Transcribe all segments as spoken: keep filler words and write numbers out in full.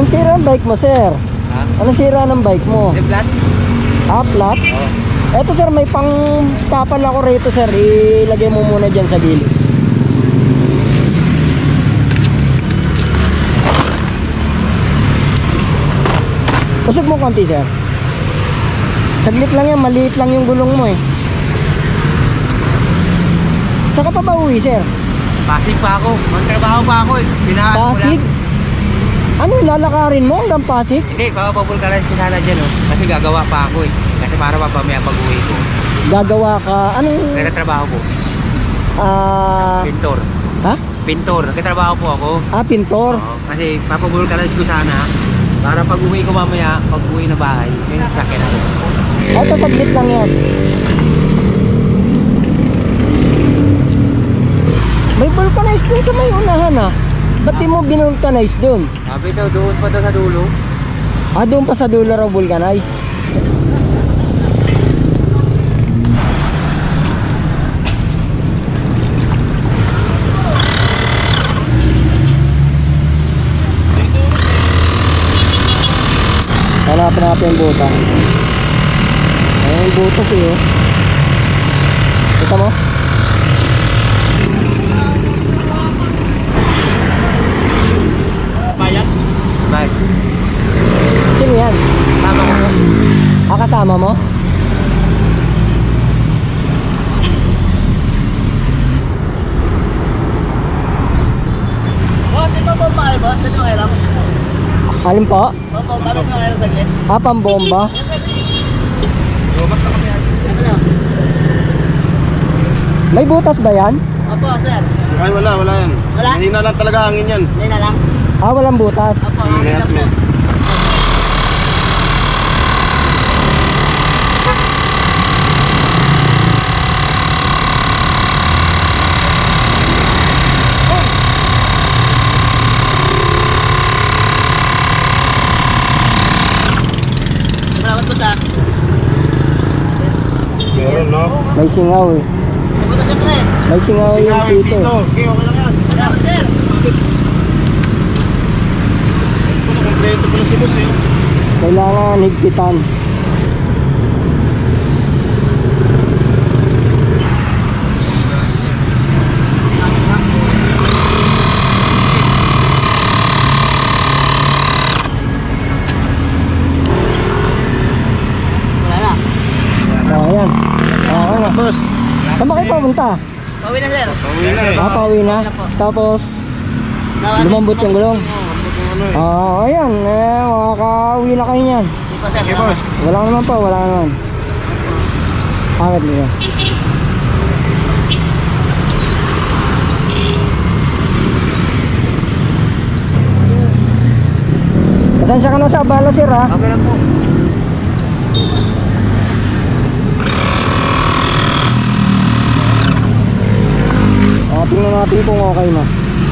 sira ang bike mo, sir? Ha? Ano sira ng bike mo? Eh, flat? Ah, flat? Oo. Eto sir, may pang tapal ako rito sir. Ilagay mo muna dyan sa gilid. Usog mo konti sir. Saglit lang yan, maliit lang yung gulong mo eh. Saan ka pa ba uwi sir? Pasig pa ako. Magtrabaho pa ako eh. Pinahan ko Pasig? lang. Ano, lalakarin mo hanggang Pasig? Hindi, papapulkarize ko sana dyan oh. Kasi gagawa pa ako eh. Kasi para mapamaya pag-uwi ko. Gagawa ka, anong... Nagtatrabaho po. Ah... Pintor. ha? Pintor. Nagtatrabaho po ako. Ah, pintor. Oo. Kasi papapulkarize ko sana. Para pag-uwi ko mamaya, pag-uwi na bahay, yung sasakyan ako. Eto, saglit lang yan. May vulcanize dun sa may unahan ah. Ba't di mo binulcanize dun? Sabi daw, doon pa daw sa dulo. Ah, doon pa sa dulo raw vulcanize. Hanapin natin yung buta. Ayun yung buto siya. Kita mo? Bayan? Bye. Sino yan? Tama ko po. Ah, kasama mo? Boss, ito po pa kayo, boss? Ito kayo lang? Alin po? Opo, bakit nyo kayo saglit? Ah, pambomba. Bumas na kami. Ano? May butas ba yan? Opo, sir. Ay, wala, wala yan. Wala? Mahina lang talaga hangin yan. Hindi na lang. Ah, walang butas. Opo, Hindi okay na po. yan. Salamat po sa... Meron, no? May singaw eh. Sabuta siyempre. May singaw yung Singawin dito. dito. Okay, okay lang yan. Salamat, sir. Ito, kompleto pala si boss eh. Kailangan higpitan. Wala na. Oh, ayan. Oh, ayan. Boss, Saan ba kayo papunta? Pauwi na, sir. pauwi na eh. Ah, pauwi na. Tapos, Nawan- lumambot yung gulong. Oo. Ano eh. Ah, ayan. Eh, makakauwi na kayo niyan. Hindi pa, sir. Okay, Salamat. boss. Wala ka naman po, wala ka naman. Angat nyo. Pasensya ka na sa abala sir ha. Okay lang po. Ah, tingnan natin kung okay na.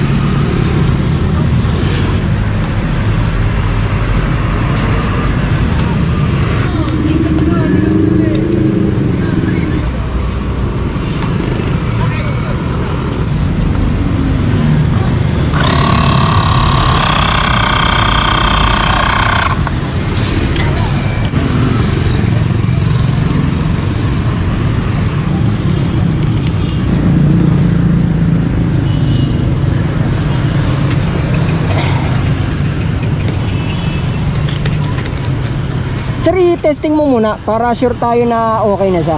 Sir, i-testing mo muna para sure tayo na okay na siya.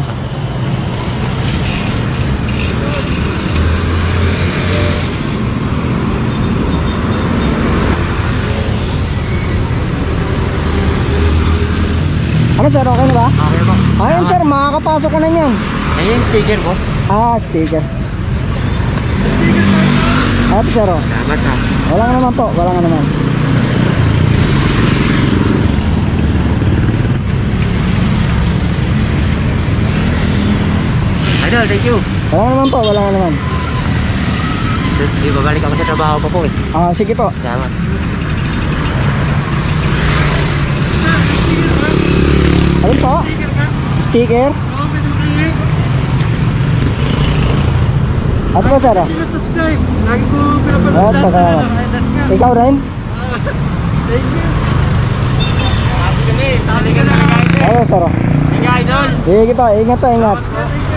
Ano sir, okay na ba? Okay po. Ayun sir, makakapasok ka na niyan. Ayun, sticker, boss. Ah, sticker. Ito sir, oh. Salamat ha. Wala nga naman po, wala nga naman. Idol, thank you. Wala nga naman po, wala nga naman. Di babalik ako sa trabaho pa po eh. Ah, sige po. Salamat. Ano po? Sticker? Ano po sir? Subscribe. Lagi ko Ah, taga. Ikaw rin? Thank you. Happy kami. Happy ka na. Ano, sir? Thank you, idol. Sige kita, ingat tayo, ingat.